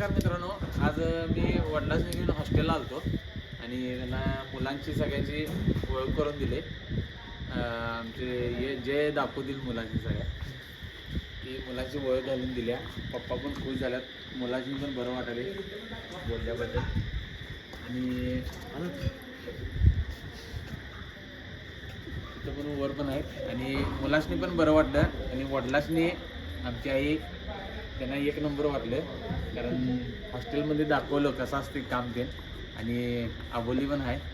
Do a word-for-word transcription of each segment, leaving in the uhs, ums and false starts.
नमस्कार मित्रांनो, आज मी वडिलांनी घेऊन हॉस्टेलला आलतो आणि त्यांना मुलांची सगळ्यांची ओळख करून दिले. आमचे हे जे दाखवतील मुलांची सगळ्या की मुलांची ओळख घालून दिल्या. पप्पा पण खुश झाल्यात, मुलांची पण बरं वाटाले बोलल्याबद्दल. आणि तिथं पण वर पण आहेत आणि मुलांनी पण बरं वाटलं. आणि वडिलांनी आमची आई त्यांना एक नंबर वाटलं, कारण हॉस्टेलमध्ये दाखवलं कसं असते काम ते. आणि आबोली पण आहे,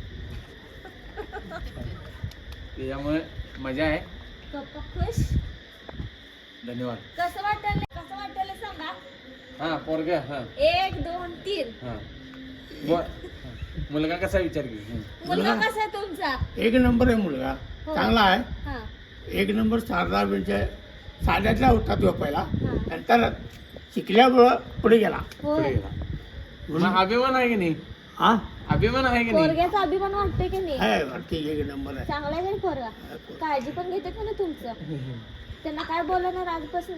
त्याच्यामुळे मजा आहे. पप्पा खुश. धन्यवाद. कसं वाटलं कसं वाटलं सांगा. हां पोरगा. हां एक दोन तीन. हां बर. मुलगा कसा विचार की? मुलगा कसा आहे तुमचा? एक नंबर आहे मुलगा, हो. चांगला आहे. हा एक नंबर शारदा म्हणजे साध्यातला होता तो पहिला, हा. नंतर शिकल्यामुळं पुढे गेला. पुढे होय. गेला. मग अभिमान आहे की नाही? हा अभिमान आहे की नाही? पोरग्याचा अभिमान वाटतोय की नाही? आहे वरती एक नंबर आहे. चांगला आहे का पोरगा? काळजी पण घेते का ना तुमचं? त्यांना काय बोलणार आजपासून?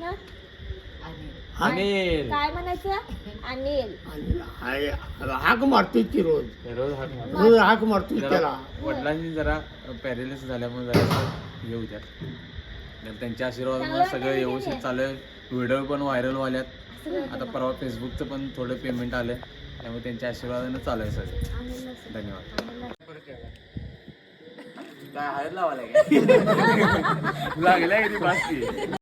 अनिल काय म्हणायचं? अनिल. आणि हाय- हाक मारतोय ती रोज रोज हात मारतो. रोज हाक मारतोय जरा त्याला. वडिलांनी जरा पॅरेलिस झाल्यामुळे जरा हे होत्यात, तर त्यांच्या आशीर्वादामुळे सगळं व्यवस्थित चालू आहे. व्हिडिओ पण व्हायरल व्हाल्यात. आता परवा फेसबुकचं पण थोडं पेमेंट आलं, त्यामुळे त्यांच्या आशीर्वादानं चालू आहे सगळं. अनिल नसेल. धन्यवाद. अनिल काय हळद लावायला लागल्या किती बासकी.